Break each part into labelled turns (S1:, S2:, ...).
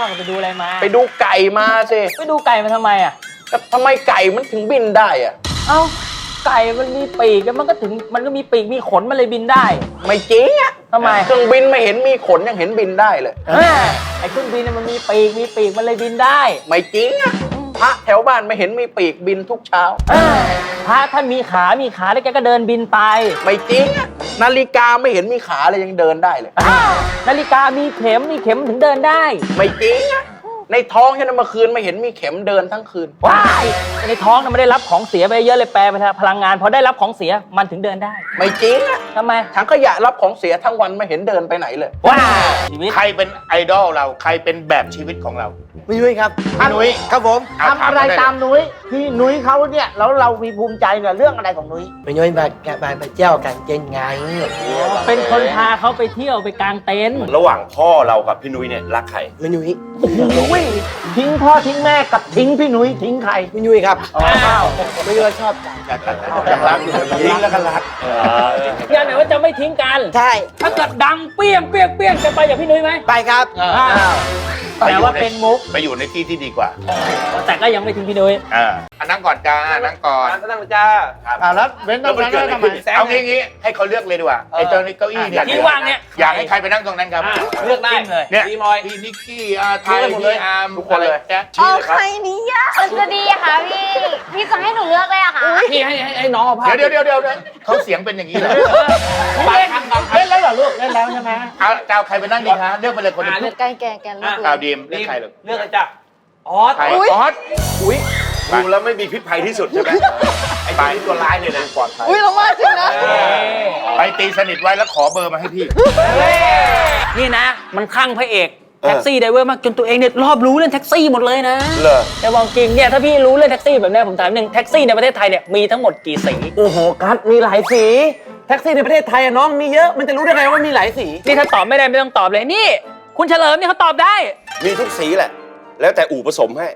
S1: ไปดูอะไรมา
S2: ไปดูไก่มาสิ
S1: ไปดูไก่มาทำไมอ่ะ
S2: ก็ทำไมไก่มันถึงบินได้อ่ะ
S1: เอ้าไก่มันมีปีกมันก็มีปีกมีขนมันเลยบินได้
S2: ไม่จริงอ่ะ
S1: ทำไม
S2: เครื่องบินไม่เห็นมีขนยังเห็นบินได้เลย
S1: ไอ้เครื่องบินมันมีปีกมันเลยบินได้
S2: ไม่จริงอ่ะพระแถวบ้านไม่เห็นมีปีกบินทุกเช้า
S1: พระท่านมีขาแล้วแกก็เดินบินไป
S2: ไม่จริงอ่ะนาฬิกาไม่เห็นมีขาเลยยังเดินได้เลย
S1: นาฬิกามีเข็มถึงเดินได้
S2: ไม่จริงอ่ะในท้องฉันเมื่อคืนไม่เห็นมีเข็มเดินทั้งคืน
S1: ว้ายในท้องมันได้รับของเสียไปเยอะเลยแปลไปพลังงานพอได้รับของเสียมันถึงเดินได้
S2: ไม่จริงอ่ะ
S1: ทำไม
S2: ถังขยะรับของเสียทั้งวันไม่เห็นเดินไปไหนเลย
S1: ว้า
S3: ใครเป็นไอดอลเราใครเป็นแบบชีวิตของเรา
S4: พี่นุ้ยครับ
S3: พี่นุ้ย
S4: ครับผมทำอะไรตามนุ้ยพี่นุ้ยเขาเนี่ยแล้วเรามีภูมิใจเนี่ยเรื่องอะไรของนุ้ยพี่นุ้ยไปเที่ยวกันเจนไง
S1: เป็นคนพาเขาไปเที่ยวไปกางเต็นท์
S3: ระหว่างพ่อเรากับพี่นุ้ยเนี่ยรักใคร
S4: พี่นุ้ยทิ้งพ่อทิ้งแม่กับทิ้งพี่นุ้ยทิ้งใครพี่นุ้ยครับพี่นุ้ยชอบ
S2: ยังรักอยู่
S3: ทิ้งแล้วก็รัก
S1: ยังไหนว่าจะไม่ทิ้งกัน
S4: ใช่
S1: ถ้าเกิดดังเปี้ยงจะไปอย่างพี่นุ้ยไหม
S4: ไปครับ
S1: แต่ว่าเป็นมุก
S3: ไปอยู่ในที่ที่ดีกว่า
S1: แต่ก็ยังไม่ทิ้งพี่นุ้ย
S3: นั่งก่อนจ้านั่งก่อน
S2: นั่งจ้า
S4: แล้วเว้นตรงนั้นทำไม
S3: เอางี้ให้เขาเลือกเลยดีกว่าไอ้เจ้าเก้าอี้เนี่ย
S1: ที่ว่างเนี่ย
S3: อยากให้ใครไปนั่งตรงนั้นครับ
S1: เลือกได้เลย
S3: เนี่ยพี่นิกกี้ไทยพี่อาร์ม
S2: ทุกคนเลย
S5: เอาใครนี้อ่ะจะดีอะค่ะพี่จะให้หนูเลือกเลยอะค่ะ
S1: พี่ให้น้องเอาผ้า
S3: เดี๋ยวเขาเสียงเป็นอย่างนี้เลย
S4: เล่นแล้วเหรอลูกเล่นแล้วใช่ไหม
S3: เอาเจ้าใครไปนั่งดีคะเลือกไปเลยคนนึง
S5: แกเลือก
S3: เอาดีมเลือกใครเลย
S1: เลือกเลยจ้ะออส
S3: อุ้ยดูแล้วไม่มีพิษภัยที่สุดใช่ไหมไอ้ปลายตัวร้ายเลยนะปลอดภัย
S5: เรามาจริงนะ
S3: ไปตีสนิทไว้แล้วขอเบอร์มาให้พี่
S1: นี่นะมันคลั่งพระเอกแท็กซี่ไดเวอร์มากจนตัวเองเนี่ยรอบรู้เรื่องแท็กซี่หมดเลยนะแต่บอกจริงเนี่ยถ้าพี่รู้เรื่องแท็กซี่แบบนี้ผมถามหนึ่งแท็กซี่ในประเทศไทยเนี่ยมีทั้งหมดกี่สี
S4: โอ้โหกัสมีหลายสีแท็กซี่ในประเทศไทยอะน้องมีเยอะมันจะรู้ได้ไงว่ามีหลายสี
S1: นี่ถ้าตอบไม่ได้ไม่ต้องตอบเลยนี่คุณเฉลิมนี่เขาตอบได้
S3: มีทุกสีแหละแล้วแต่อู่ผสมให้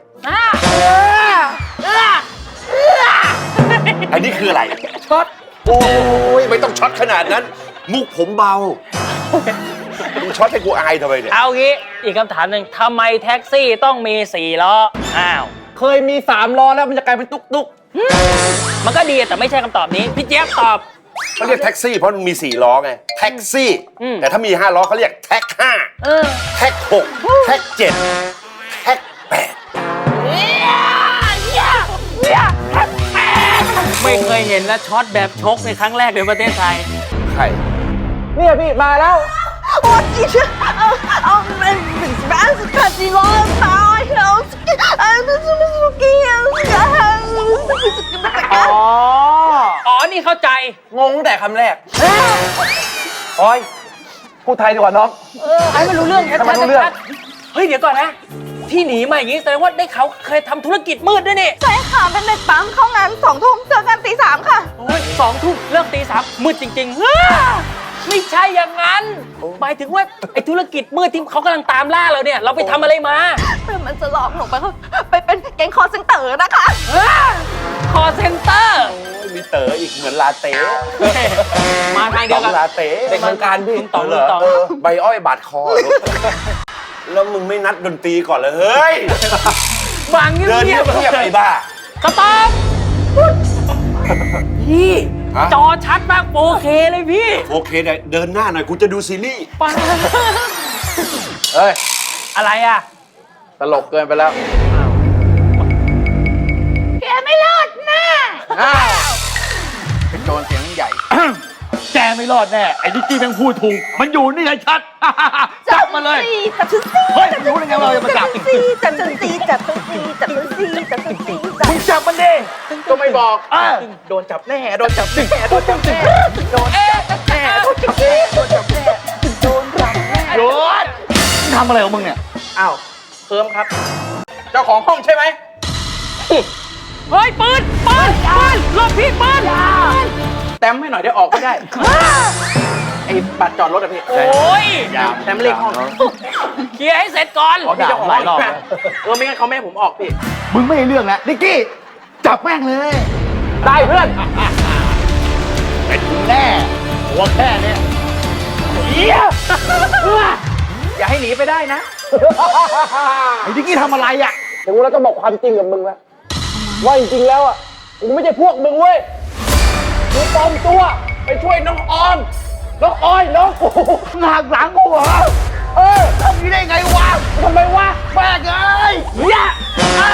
S3: อันนี้คืออะไร
S1: ช็อต
S3: โอ้ยไม่ต้องช็อตขนาดนั้นมุกผมเบามึงช็อตให้กูอายทำไมเนี่ย
S1: เอางี้อีกคำถามหนึ่งทำไมแท็กซี่ต้องมี4 ล้อ
S4: เคยมี3 ล้อแล้วมันจะกลายเป็นตุ๊ก
S1: มันก็ดีแต่ไม่ใช่คำตอบนี้พี่เจี๊ยบตอบ
S3: เขาเรียกแท็กซี่เพราะมันมี4 ล้อไงแท็กซี่แต่ถ้ามี5 ล้อเขาเรียกแท็ก5แท็ก6แท็ก7แท็ก8
S1: ไม่เคยเห็นนะช็อตแบบชกในครั้งแรกในประเทศไทย
S3: ใคร
S4: เนี่ยพี่มาแล้ว
S5: 我其实看起来他
S1: อ๋อนี่เข้าใจ
S4: งงแต่คำแรกโอ้ยพูดไทยดีกว่าน้อง
S1: ไอ้ไม่รู้เรื่อง
S4: ทำไมรู้เรื่อง
S1: เฮ้ยเดี๋ยวก่อนนะที่หนีมาอย่างนี้แสดงว่าได้เขาเคยทำธุรกิจมืดด้วยนี่
S5: ใช่ค่ะเป็นเด็กปั๊มเข้างาน2 ทุ่มเจอกันตี 3ค่ะ
S1: โอ้ย2 ทุ่มเลิกตี 3มืดจริงๆไม่ใช่อย่างนั้นหมายถึงว่าไอ้ธุรกิจมืดที่เขากำลังตามล่าเราเนี่ยเราไปทำอะไรมา
S5: มันจะหลอกหนูไปเป็นแก๊งคอร์เซ็นเตอร์นะคะ
S1: คอร์เซ็นเตอร์
S3: มีเต๋ออีกเหมือนลาเต้
S1: มาทางเดียวกัน
S3: ลาเต้
S4: เป็นทางการพี่
S1: ต่อ
S3: ใบอ้อยบาดคอแล้วมึงไม่นัดดนตรีก่อนเลยเฮ้ย
S1: บางเงียบ
S3: ไอ้บ้า
S1: สต๊อปพี่จอชัดมาก 4K เลยพี่
S3: 4K เนี่ยเดินหน้าหน่อยกูจะดูซีรีส์
S2: เฮ้ย
S1: อะไรอ่ะ
S2: ตลกเกินไปแล้ว
S5: แกไม่รอดแน่
S2: เป็นโจรเสียงใหญ่
S1: แกไม่รอดแน่ไอ้นิกกี้แม่งพูดถูกมันอยู่นี่ไงชัดจับมาเลย
S5: จับฉันสิ
S1: เฮ้ยรู้ได้ไงเราจะมาจับ
S5: จับฉันสิจับฉันสิจับฉันสิจับฉันสิ
S1: มึงจับมันดิ
S2: ก็ไม่บอก
S1: โดนจับแน่โดนจับแน่โดนจับแน่โดนจับแน่โดนจับแน่โดนจับแน่โดนจับแน่โดนทำอะไรของมึงเนี่ย
S2: อ้าวเพิ่มครับเจ้าของห้องใช่ไหม
S1: เฮ้ยปืนรถพี่ปืน
S2: แต้มให้หน่อยได้ออกไม่ได้ไอ้บัตรจอดรถอะพี่
S1: โอ้ย
S2: แต้มเลขห้อง
S1: เคลียร์ให้เสร็จก่อน
S2: พี่เจ้าของหลายรอบไม่งั้นเขาไม่ให้ผมออกพี่
S4: มึงไม่ให้เรื่องแล้วนิกกี้จับแม่งเลย
S2: ได้เพื่อน
S4: เป็นแน่หัวแค่นี้
S1: เฮีย
S2: อย่าให้หนีไปได้นะ
S4: ไอ้ดิกกี้ทำอะไรอ่ะ
S2: ถึงเวลาต้องบอกความจริงกับมึงแล้วว่าจริงๆแล้วอ่ะกูไม่ใช่พวกมึงเว้ยกูปลอมตัวไปช่วยน้องออมน้องออยน้องกู
S4: หนักหลังกูเหรอทำนี้ได้ไงวะ
S2: ทำไมวะ
S4: แม่งเอ้ย
S2: เนี่ยไอ้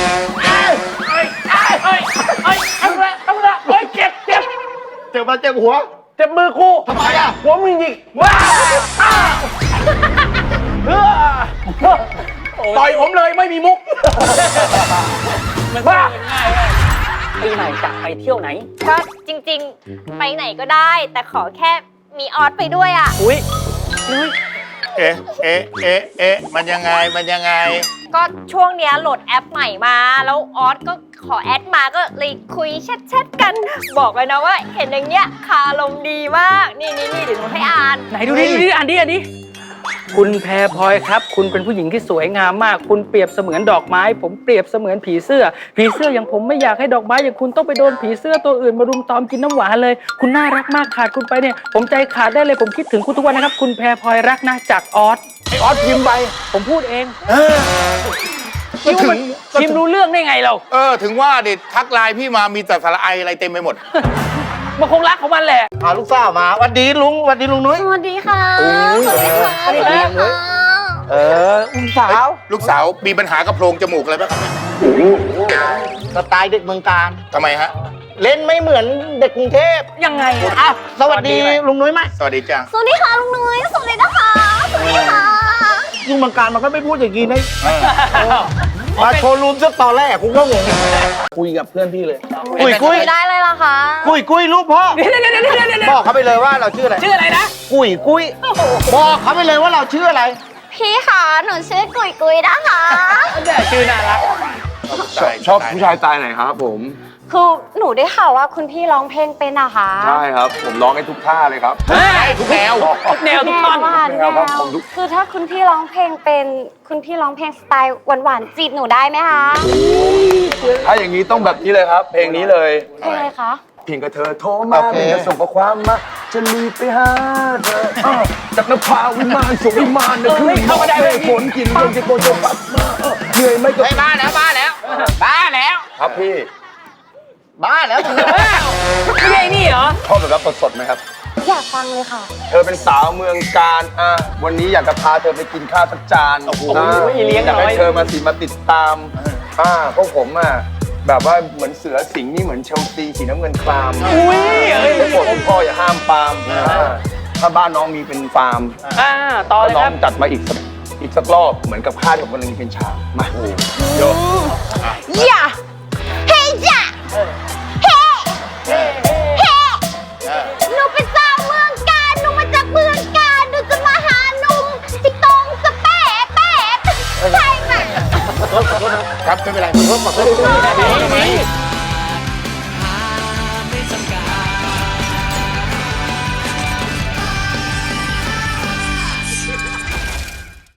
S2: ต้องละเฮ้ยเจ็บ
S4: เจ็บมาเจ็บหัว
S2: เจ็บมือกู
S4: ทำไมอ่ะ
S2: หัวมึงยิงว้าต่อยผมเลยไม่มีมุก
S1: มันก็ง่ายเลยปีใหม่จะไปเที่ยวไหน
S5: ก็จริงๆ ไปไหนก็ได้ แต่ขอแค่มีออสไปด้วยอ่ะ
S1: อุ้ย
S6: เอ๊ะมันยังไง
S5: ก็ช่วงเนี้ยโหลดแอปใหม่มา แล้วออสก็ขอแอดมาก็เลยคุยแชทกัน บอกเลยนะว่าเห็นอย่างเงี้ยคาลมดีมาก นี่เดี๋ยวหนูให้อ่าน
S1: ไหนดูดิอ่านดิคุณแพรพลอยครับ คุณเป็นผู้หญิงที่สวยงามมาก คุณเปรียบเสมือนดอกไม้ ผมเปรียบเสมือนผีเสื้อ ผีเสื้ออย่างผมไม่อยากให้ดอกไม้อย่างคุณต้องไปโดนผีเสื้อตัวอื่นมารุมตอมกินน้ำหวานเลย คุณน่ารักมากขาดคุณไปเนี่ย ผมใจขาดได้เลยผมคิดถึงคุณทุกวันนะครับ คุณแพรพลอยรักนะจากออส
S2: ไอออสพิมพ์ไป
S1: ผมพูดเองคิดว่ามันพิมพ์รู้เรื่องได้ไงเรา
S6: ถึงว่าเด็ดทักไลน์พี่มามีแต่สาระไออะไรเต็มไปหมด
S1: มันคงรักของมันแหละ
S4: พาลูกสาวมาวันดีลุงวันดีลุงนุ้ย
S5: สวัสดีค่ะ สวัสดีค่ะ
S1: สวัสดีครับ
S4: อุ้มสาว
S6: ลูกสาวมีปัญหากับโพรงจมูกอะไรไหมครับ
S4: สไตล์เด็กเมืองการ
S6: ทำไมฮะ
S4: เล่นไม่เหมือนเด็กกรุงเทพ
S1: ยังไงอะ
S4: อ้าวสวัสดีลุงนุ้ยไหม
S6: สวัสดีจ้า
S5: สวัสดีค่ะลุงนุ้ย สวัสดีนะคะ สวัสดีค่ะ
S4: ลุงเมืองการมันก็ไม่พูดอย่างนี้นะมาโชว์รูมซะตอนแรกกูก็งง
S2: คุยกับเพื่อนพี่เลย
S4: กุ้ยกุ้ย
S5: ไม่ได้เลยล่ะคะ
S4: กุ้ยลูกพ่อ
S1: เดี๋ยว
S4: บอกเขาไปเลยว่าเราชื่ออะไร
S1: ชื่ออะไรนะ
S4: กุ้ยบอกเขาไปเลยว่าเราชื่ออะไร
S5: พี่ค่ะหนูชื่อกุยกุยนะคะ
S1: ชื่อน่ารัก
S7: ชอบผู้ชายสไตล์ไหนครับผม
S5: คือหนูได้ข่าวว่าคุณพี่ร้องเพลงเป็นอะคะ
S7: ใช่ครับ ผมร้องให้ทุกท่าเลยครับ
S6: ทุกแนว
S1: ทุกแนวทุกตอน
S5: หวาน
S7: แนวครับผมทุก
S5: คือถ้าคุณพี่ร้องเพลงเป็น คุณพี่ร้องเพลงสไตล์หวานๆจีบหนูได้ไหมคะ
S7: ถ้าอย่างนี้ต้องแบบนี้เลยครับ เพลงนี้เลย
S5: เพลงอะไรคะ
S7: เพียงกับเธอโทรมา
S4: โอเค
S7: เพียงกับส่งข้อความมาจะรีบไปหาเธอจากนภาวิมานส่งวิมานนะคือ
S1: เข้ามาได้เลย
S7: ฝนกินเรื่องจะโกนจะปัดมาเหนื่อยไหมก็
S2: บ้าแล้ว
S7: ครับพี่
S4: บ้าแล้ว
S1: ไม่ใช่นี่เหรอ
S7: ชอบแบบรับสดๆไหมครับ
S5: อยากฟังเลยค่ะ
S7: เธอเป็นสาวเมืองการวันนี้อยากจะพาเธอไปกินข้าวสักจานอ่ะ
S1: เลี้ยง
S7: อยาก
S1: น้อย
S7: ให้เธอมาติดตามพวกผมแบบว่าเหมือนเสือสิงห์นี่เหมือนเชลซีสีน้ำเงินคราม
S1: อุ้ยเอ้ย
S7: ผมบอกคุณพ่ออย่าห้ามปาล์มถ้าบ้านน้องมีเป็นฟาร์ม
S1: ต่อเลย
S7: น้
S1: ค
S7: อ
S1: รั
S7: ง
S1: บ
S7: จัดมาอีกสักรอบเหมือนกับข้าวที่ผมกำลังเป็นชามมาโย
S5: อย่าเฮ้ยอย่าเฮ้เฮ้หนูเป็นสาวเมืองการหนูมาจากเมืองการหนูจะมาหาหนุ่มที่ตรงสเปะใช่ไหม
S6: ครับไม่เป็นไร
S5: เ